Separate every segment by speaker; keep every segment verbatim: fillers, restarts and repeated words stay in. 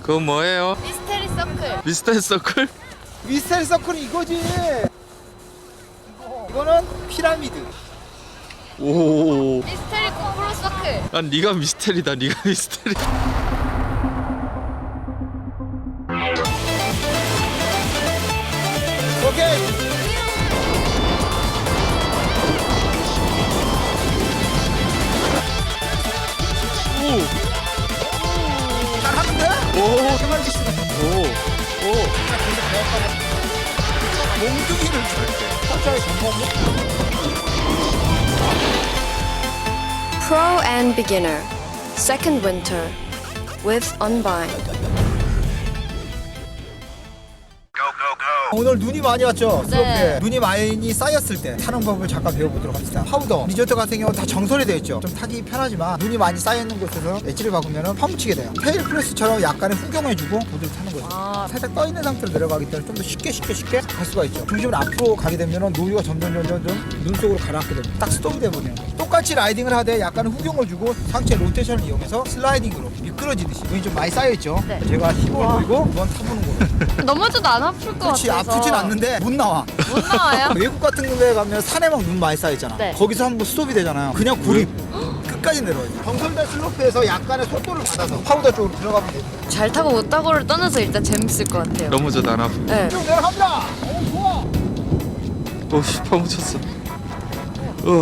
Speaker 1: 그건 뭐예요?
Speaker 2: 미스테리 서클.
Speaker 1: 미스터리 서클?
Speaker 3: 미스테리 서클이 이거지. 이거, 이거는 피라미드.
Speaker 1: 오.
Speaker 2: 미스테리 콤프로 서클.
Speaker 1: 난 네가 미스테리다. 네가 미스테리.
Speaker 3: 오케이.
Speaker 1: 오.
Speaker 3: 잘하는데?
Speaker 1: 오.
Speaker 3: 해맑이 씨가
Speaker 1: 오. 오.
Speaker 3: 몽둥이를 줄게. 살짝 전파고.
Speaker 4: Pro and Beginner Second Winter with Unbind.
Speaker 3: 오늘 눈이 많이 왔죠?
Speaker 2: 네.
Speaker 3: 슬로프에. 눈이 많이 쌓였을 때 타는 법을 잠깐 배워보도록 합시다. 파우더, 리조트 같은 경우는 다 정설이 되어 있죠. 좀 타기 편하지만 눈이 많이 쌓여있는 곳에서 엣지를 박으면 파묻히게 돼요. 테일 프레스처럼 약간의 후경해주고 보드를 타는 거죠.
Speaker 2: 아.
Speaker 3: 살짝 떠있는 상태로 내려가기 때문에 좀 더 쉽게 쉽게 쉽게 갈 수가 있죠. 중심을 앞으로 가게 되면 노유가 점점 점점 좀 눈 속으로 가라앉게 됩니다. 딱 스톱이 돼버리는 거예요. 똑같이 라이딩을 하되 약간의 후경을 주고 상체 로테이션을 이용해서 슬라이딩으로 미끄러지듯이 눈이 좀 많이 쌓여있죠.
Speaker 2: 네.
Speaker 3: 제가 힘을 보이고 한번 타보는 거예요.
Speaker 2: 넘어져도 안 아플 것
Speaker 3: 그렇지,
Speaker 2: 같아서.
Speaker 3: 아프진 않는데 못 나와.
Speaker 2: 못 나와요?
Speaker 3: 외국 같은 데 가면 산에 막 눈 많이 쌓이잖아.
Speaker 2: 네.
Speaker 3: 거기서 한번 스톱이 되잖아요. 그냥 고립. 끝까지 내려와요. 정설된 슬로프에서 약간의 속도를 받아서 파우더 쪽으로 들어가면 됩니다.
Speaker 2: 잘 타고 못 타고를 떠나서 일단 재밌을 것 같아요.
Speaker 1: 넘어져도 안 아프.
Speaker 2: 네.
Speaker 3: 쭉 내려갑니다. 오, 좋아.
Speaker 1: 오, 씨, 파묻혔어. 어.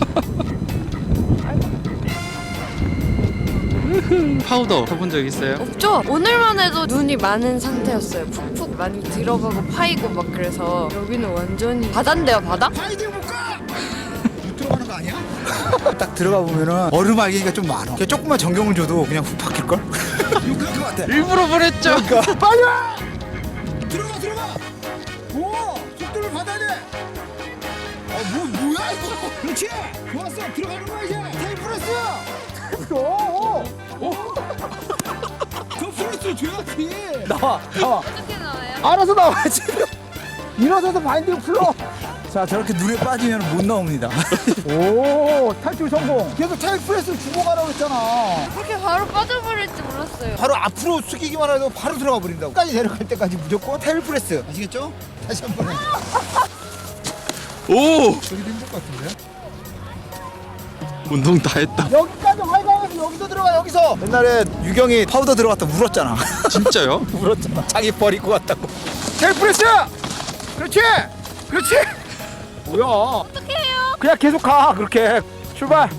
Speaker 1: 파우더 타본 적 있어요?
Speaker 2: 없죠? 오늘만 해도 눈이 많은 상태였어요. 푹푹 많이 들어가고 파이고 막 그래서 여기는 완전히 바다인데요, 바다?
Speaker 3: 파이딩 못 가. 못 들어가는 거 아니야? 딱 들어가 보면은 얼음 알갱이가 좀 많아. 그냥 조금만 전경을 줘도 그냥 훅 바뀔 걸. 그럴 것 같아.
Speaker 1: 일부러 보냈죠.
Speaker 3: 그러니까 빨리 와. 들어가 들어가. 오, 속도를 받아야 돼. 어, 뭐 뭐야 이거? 그렇지. 좋았어. 들어가는 거야 이제. 테일 프레스. 오, 오, 오. 더 프레스 줘야지. 나와, 나와.
Speaker 2: 어떻게 나와요?
Speaker 3: 알아서 나와야지. 일어서서 바인딩 풀러. 자, 저렇게 눈에 빠지면 못 나옵니다. 오, 탈출 성공. 계속 테일 프레스를 주고 가라고 했잖아.
Speaker 2: 그렇게 바로 빠져버릴지 몰랐어요.
Speaker 3: 바로 앞으로 숙이기만 해도 바로 들어가 버린다고. 끝까지 내려갈 때까지 무조건 테일 프레스. 아시겠죠? 다시 한 번에.
Speaker 1: 오.
Speaker 3: 저기도 힘들 것 같은데?
Speaker 1: 운동 다 했다.
Speaker 3: 여기까지 활강해서 여기서 들어가 여기서. 옛날에 유경이 파우더 들어갔다 울었잖아.
Speaker 1: 진짜요?
Speaker 3: 울었잖아. 자기 버리고 왔다고. 테일 프레스. 그렇지. 그렇지. 뭐야?
Speaker 2: 어떻게 해요?
Speaker 3: 그냥 계속 가. 그렇게 출발.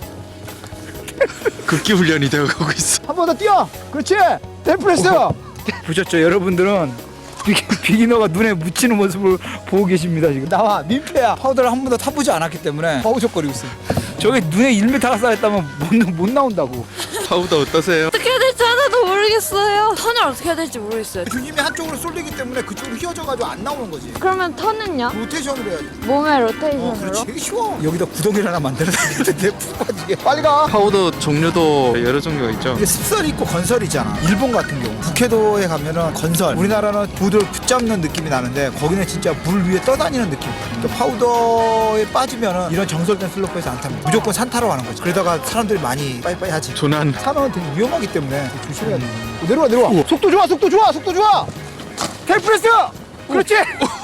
Speaker 1: 극기 훈련이 되어가고 있어.
Speaker 3: 한 번 더 뛰어. 그렇지. 테일 프레스. 보셨죠? 여러분들은 비기, 비기너가 눈에 묻히는 모습을 보고 계십니다. 지금 나와 민폐야. 파우더를 한 번도 타보지 않았기 때문에 허우적거리고 있어요. 저게 눈에 일 미터가 쌓였다면 못, 못 나온다고.
Speaker 1: 파우더 어떠세요?
Speaker 2: 어떻게 해야 될지 하나도 모르겠어요. 턴을 어떻게 해야 될지 모르겠어요.
Speaker 3: 중심이 한쪽으로 쏠리기 때문에 그쪽으로 휘어져가지고 안 나오는 거지.
Speaker 2: 그러면 턴은요?
Speaker 3: 로테이션을 해야지.
Speaker 2: 몸의
Speaker 3: 어,
Speaker 2: 로테이션으로?
Speaker 3: 그렇지. 되게 쉬워. 여기다 구덩이를 하나 만들어야겠는데 푹 빠지게. 빨리 가.
Speaker 1: 파우더 종류도 여러 종류가 있죠.
Speaker 3: 이게 습설이 있고 건설이 있잖아. 일본 같은 경우 북해도에 가면은 건설, 우리나라는 보드를 붙잡는 느낌이 나는데 거기는 진짜 물 위에 떠다니는 느낌. 그러니까 파우더에 빠지면은 이런 정설된 슬로프에서 안 타면 무조건 산 타러 가는 거지. 그러다가 사람들이 많이 빠이빠이 하지.
Speaker 1: 조난.
Speaker 3: 산은 되게 위험하기 때문에 조심해야 돼. 어, 내려와 내려와. 속도 좋아 속도 좋아 속도 좋아. 테일 프레스. 그렇지.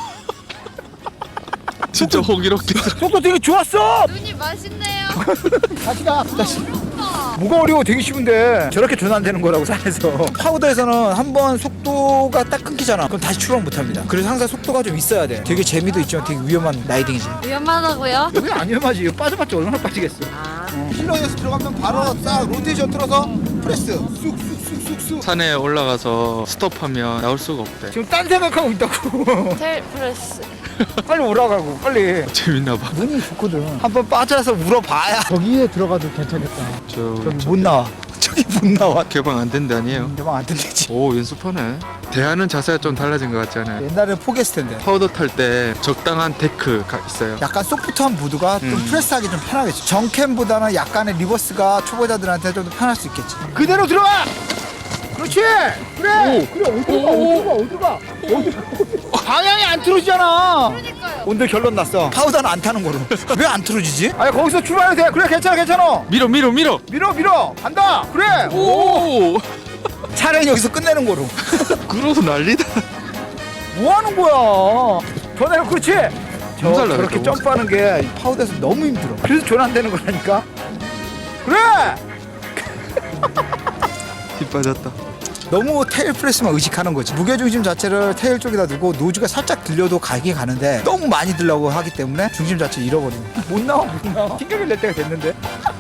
Speaker 1: 진짜 호기롭게.
Speaker 3: 속도 되게 좋았어.
Speaker 2: 눈이 맛있네요.
Speaker 3: 다시 가. 다시. 뭐가 어려워? 되게 쉬운데 저렇게 전환되는 거라고 산에서. 파우더에서는 한번 속도가 딱 끊기잖아. 그럼 다시 출발 못합니다. 그래서 항상 속도가 좀 있어야 돼. 되게 재미도 있지만 되게 위험한 라이딩이지.
Speaker 2: 위험하다고요?
Speaker 3: 여기 안 위험하지. 이거 빠져봤자 얼마나 빠지겠어.
Speaker 2: 아.
Speaker 3: 힐러에서 들어가면 바로 싹 로테이션 틀어서 프레스 쑥쑥쑥쑥쑥.
Speaker 1: 산에 올라가서 스톱하면 나올 수가 없대.
Speaker 3: 지금 딴 생각하고 있다고.
Speaker 2: 테일 프레스.
Speaker 3: 빨리 올라가고 빨리.
Speaker 1: 재밌나 봐.
Speaker 3: 눈이 좋거든. 한번 빠져서 물어봐야. 저기에 들어가도 괜찮겠다.
Speaker 1: 저,
Speaker 3: 저기
Speaker 1: 저
Speaker 3: 못 나와. 저기 못 나와.
Speaker 1: 개방 안 된다 아니에요?
Speaker 3: 대박 안 된대지.
Speaker 1: 오, 연습하네. 대하는 자세가 좀 달라진 것 같지 않아요?
Speaker 3: 옛날에 포기했을 텐데.
Speaker 1: 파우더 탈 때 적당한 데크가 있어요.
Speaker 3: 약간 소프트한 보드가 좀
Speaker 1: 음.
Speaker 3: 프레스하기 좀 편하겠지. 정캠보다는 약간의 리버스가 초보자들한테 좀 더 편할 수 있겠지. 그대로 들어와. 그렇지. 그래. 그래. 어디로 가? 어디로 가? 어디로 가? 어디로 가? 방향이 안 틀어지잖아.
Speaker 2: 그러니까요.
Speaker 3: 오늘 결론 났어. 파우더는 안 타는 거로. 왜 안 틀어지지? 아니 거기서 출발해도 돼. 그래 괜찮아 괜찮아.
Speaker 1: 밀어 밀어 밀어.
Speaker 3: 밀어 밀어. 간다. 그래.
Speaker 1: 오.
Speaker 3: 차라리 여기서 끝내는 거로.
Speaker 1: 그러고 난리다.
Speaker 3: 뭐 하는 거야? 더 내려, 그렇지? 저,
Speaker 1: 몸살
Speaker 3: 저렇게
Speaker 1: 나겠다,
Speaker 3: 점프하는 게 파우더에서 너무 힘들어. 그래서 전환되는 거라니까. 그래!
Speaker 1: 힘 빠졌다.
Speaker 3: 너무 테일 프레스만 의식하는 거지. 무게중심 자체를 테일 쪽에다 두고 노즈가 살짝 들려도 가긴 가는데 너무 많이 들려고 하기 때문에 중심 자체를 잃어버리는 거야. 못 나와, 못 나와. 튕겨를 낼 때가 됐는데.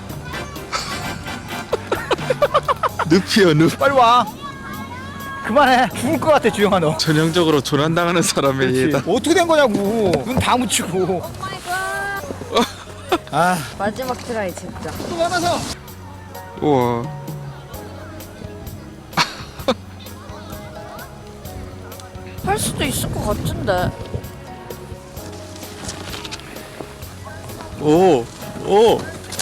Speaker 1: 늪이요, 늪.
Speaker 3: 빨리 와. 그만해. 죽을 것 같아, 주영아 너.
Speaker 1: 전형적으로 조난당하는 사람의 예다.
Speaker 3: 어떻게 된 거냐고. 눈 다 묻히고. 아,
Speaker 2: 마지막 트라이 진짜.
Speaker 3: 또 많아서.
Speaker 1: 우와.
Speaker 2: 할 수도 있을 것 같은데.
Speaker 1: 오, 오, 오.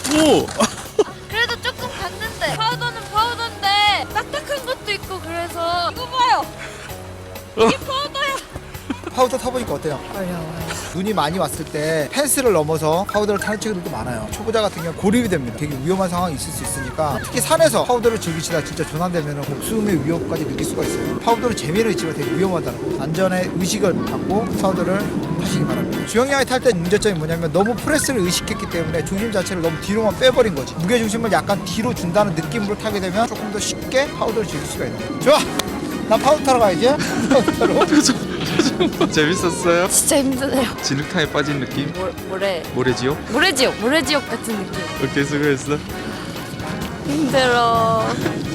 Speaker 2: 그래도 조금 갔는데 파우더는 파우더인데 딱딱한 것도 있고 그래서 이거 봐요. 이게 파우더야.
Speaker 3: 파우더 타보니까 어때요?
Speaker 2: 어려워요.
Speaker 3: 눈이 많이 왔을 때 펜스를 넘어서 파우더를 타는 친구들도 많아요. 초보자 같은 경우 고립이 됩니다. 되게 위험한 상황이 있을 수 있으니까 특히 산에서 파우더를 즐기시다 진짜 전환되면 목숨의 위협까지 느낄 수가 있어요. 파우더는 재미는 있지만 되게 위험하다는 거. 안전의 의식을 갖고 파우더를 타시기 바랍니다. 주영이 형이 탈 때 문제점이 뭐냐면 너무 프레스를 의식했기 때문에 중심 자체를 너무 뒤로만 빼버린 거지. 무게중심을 약간 뒤로 준다는 느낌으로 타게 되면 조금 더 쉽게 파우더를 즐길 수가 있는 거예요. 좋아! 난 파우더 타러 가야지. 파우더 타러.
Speaker 1: 재밌었어요?
Speaker 2: 진짜 힘드네요.
Speaker 1: 진흙탕에 빠진 느낌?
Speaker 2: 모, 모래
Speaker 1: 모래지옥?
Speaker 2: 모래지옥 모래지옥 같은 느낌.
Speaker 1: 오케이, 수고했어.
Speaker 2: 힘들어.